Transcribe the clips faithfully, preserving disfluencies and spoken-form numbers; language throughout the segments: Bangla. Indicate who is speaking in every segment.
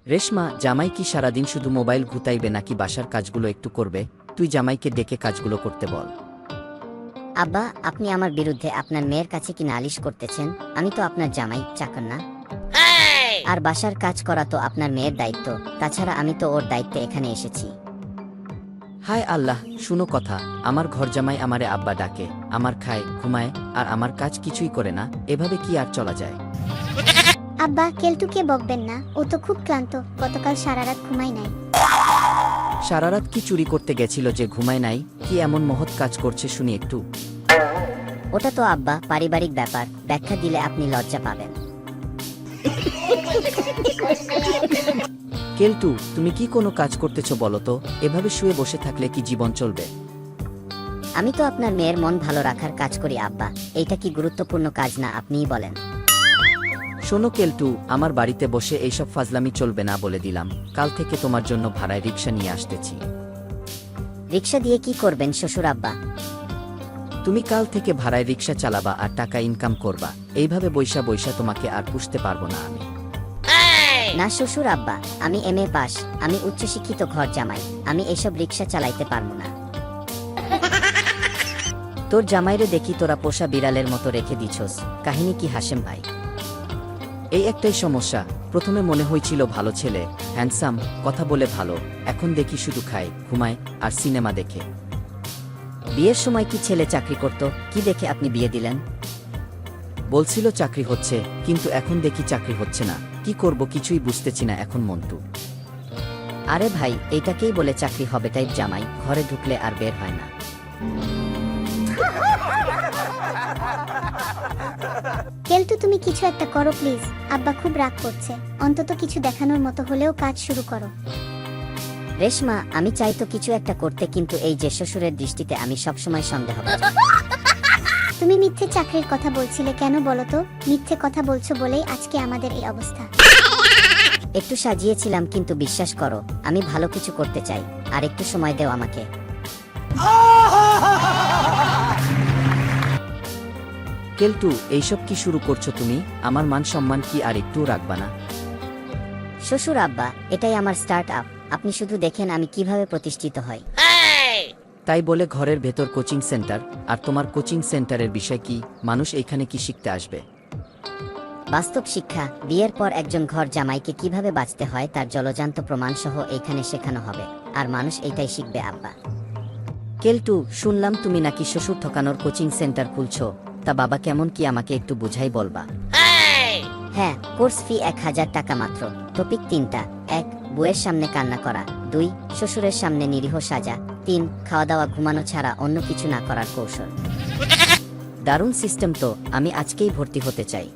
Speaker 1: রেশমা, জামাই কি সারাদিন শুধু মোবাইল ঘুতাইবে নাকি বাসার কাজগুলো একটু করবে? তুই জামাইকে ডেকে কাজগুলো করতে বল।
Speaker 2: আব্বা, আপনি আমার বিরুদ্ধে আপনার মেয়ের কাছে কি নালিশ করতেছেন? আমি তো আপনার জামাই, চাকর না। আর বাসার কাজ করা তো আপনার মেয়ের দায়িত্ব। তাছাড়া আমি তো ওর দায়িত্বে এখানে এসেছি।
Speaker 1: হায় আল্লাহ, শুনো কথা। আমার ঘর জামাই আমারে আব্বা ডাকে, আমার খায়, ঘুমায়, আর আমার কাজ কিছুই করে না। এভাবে কি আর চলা যায়?
Speaker 3: আব্বা, কেলটুকে বকবেন না, ও তো খুব ক্লান্ত, গতকাল সারা রাত ঘুমাই নাই।
Speaker 1: সারারাত কি চুরি করতে গেছিল যে ঘুমায় নাই? কি এমন মহৎ কাজ করছে শুনি একটু।
Speaker 2: ওটা তো আব্বা পারিবারিক ব্যাপার, ব্যাখ্যা দিলে আপনি লজ্জা পাবেন।
Speaker 1: কেলটু, তুমি কি কোনো কাজ করতেছ বলো তো? এভাবে শুয়ে বসে থাকলে কি জীবন চলবে?
Speaker 2: আমি তো আপনার মেয়ের মন ভালো রাখার কাজ করি আব্বা। এইটা কি গুরুত্বপূর্ণ কাজ না, আপনিই বলেন।
Speaker 1: শোনো কেলটু, আমার বাড়িতে বসে এইসব ফাজলামি চলবে না বলে দিলাম। কাল থেকে তোমার জন্য ভাড়ায় রিক্সা নিয়ে আসতেছি।
Speaker 2: রিক্সা দিয়ে কি করবেন শ্বশুর আব্বা?
Speaker 1: তুমি কাল থেকে ভাড়ায় রিক্সা চালাবা আর টাকা ইনকাম করবা। এইভাবে বৈশা বৈশা তোমাকে আর পুষতে পারবো না আমি।
Speaker 2: না শ্বশুর আব্বা, আমি এম এ পাস, আমি উচ্চশিক্ষিত ঘর জামাই, আমি এসব রিক্সা চালাইতে পারবো না। তোর জামাইরে দেখি তোরা পোষা বিড়ালের মতো রেখে দিছস। কাহিনী কি হাসেম ভাই?
Speaker 1: এই একটাই সমস্যা। প্রথমে মনে হয়েছিল ভালো ছেলে, হ্যান্ডসাম, কথা বলে ভালো। এখন দেখি শুধু খায়, ঘুমায় আর সিনেমা দেখে।
Speaker 2: বিয়ের সময় কি ছেলে চাকরি করত? কি দেখে আপনি বিয়ে দিলেন?
Speaker 1: বলছিল চাকরি হচ্ছে, কিন্তু এখন দেখি চাকরি হচ্ছে না। কি করব কিছুই বুঝতেছি না এখন মন্টু।
Speaker 2: আরে ভাই, এইটাকেই বলে চাকরি হবে টাইপ জামাই, ঘরে ঢুকলে আর বের হয় না।
Speaker 3: কেলটু, তুমি কিছু একটা করো প্লিজ। আব্বা খুব রাগ করছে, অন্তত কিছু দেখানোর মতো হলেও কাজ শুরু করো।
Speaker 2: রেশমা, আমি চাই তো কিছু একটা করতে, কিন্তু এই যে শ্বশুরের দৃষ্টিতে আমি সবসময় সন্দেহ করি।
Speaker 3: তুমি মিথ্যে চাকরির কথা বলছিলে কেন বলো তো? মিথ্যে কথা বলছো বলেই আজকে আমাদের এই অবস্থা।
Speaker 2: একটু সাজিয়েছিলাম, কিন্তু বিশ্বাস করো আমি ভালো কিছু করতে চাই। আর একটু সময় দেও আমাকে।
Speaker 1: কেলটু, এইসব কি শুরু করছো তুমি? আমার মান সম্মান কি আর একটু রাখবা না?
Speaker 2: শ্বশুর আব্বা, এটাই আমার স্টার্ট আপ, আপনি শুধু দেখেন আমি কিভাবে প্রতিষ্ঠিত হই।
Speaker 1: তাই বলে ঘরের ভেতর কোচিং সেন্টার? আর তোমার কোচিং সেন্টারের বিষয় কি? মানুষ এইখানে কি শিখতে আসবে?
Speaker 2: বাস্তব শিক্ষা। বিয়ের পর একজন ঘর জামাইকে কিভাবে বাঁচতে হয় তার জলজান্ত প্রমাণ সহ এইখানে শেখানো হবে। আর মানুষ এইটাই শিখবে আব্বা। কেলটু, শুনলাম তুমি নাকি শ্বশুর ঠকানোর কোচিং সেন্টার খুলছো। তা বাবা কেমন কি আমাকে একটু বুঝাই বলবা? হ্যাঁ, কোর্স ফি এক হাজার টাকা মাত্র। টপিক তিনটা: এক, বউয়ের সামনে কান্না করা; দুই, শ্বশুরের সামনে নিরীহ সাজা; তিন, খাওয়া দাওয়া ঘুমানো ছাড়া অন্য কিছু না করার কৌশল। দারুণ সিস্টেম তো, আমি আজকেই ভর্তি হতে চাই।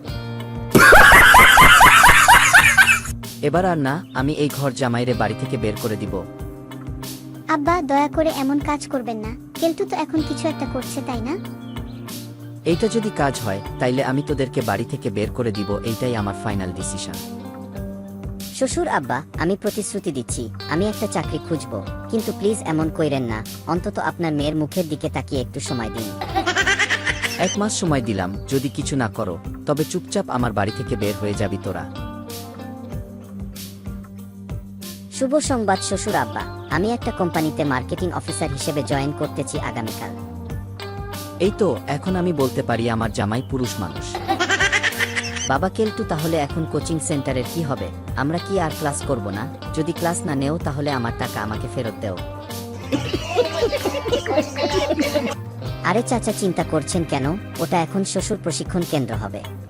Speaker 1: এবার আর না, আমি এই ঘর জামাইরে বাড়ি থেকে বের করে দিব।
Speaker 3: আব্বা, দয়া করে এমন কাজ করবেন না। কেলটু তো এখন কিছু একটা করছে, তাই না?
Speaker 1: এইটা যদি কাজ হয় তাইলে আমি তোদেরকে বাড়ি থেকে বের করে দিব। এইটাই আমার ফাইনাল ডিসিশন।
Speaker 2: শ্বশুর আব্বা, আমি প্রতিশ্রুতি দিচ্ছি আমি একটা চাকরি খুঁজবো, কিন্তু প্লিজ এমন কইরেন না। অন্তত আপনার মেয়ের মুখের দিকে তাকিয়ে একটু সময় দিন।
Speaker 1: এক মাস সময় দিলাম, যদি কিছু না করো তবে চুপচাপ আমার বাড়ি থেকে বের হয়ে যাবি তোরা।
Speaker 2: শুভ সংবাদ শ্বশুর আব্বা, আমি একটা কোম্পানিতে মার্কেটিং অফিসার হিসেবে জয়েন করতেছি আগামীকাল।
Speaker 1: এই তো, এখন আমি বলতে পারি আমার জামাই পুরুষ মানুষ।
Speaker 2: বাবা কেলটু, তাহলে এখন কোচিং সেন্টারের কি হবে? আমরা কি আর ক্লাস করব না? যদি ক্লাস না নেও তাহলে আমার টাকা আমাকে ফেরত দেও। আরে চাচা, চিন্তা করছেন কেন? ওটা এখন শ্বশুর প্রশিক্ষণ কেন্দ্র হবে।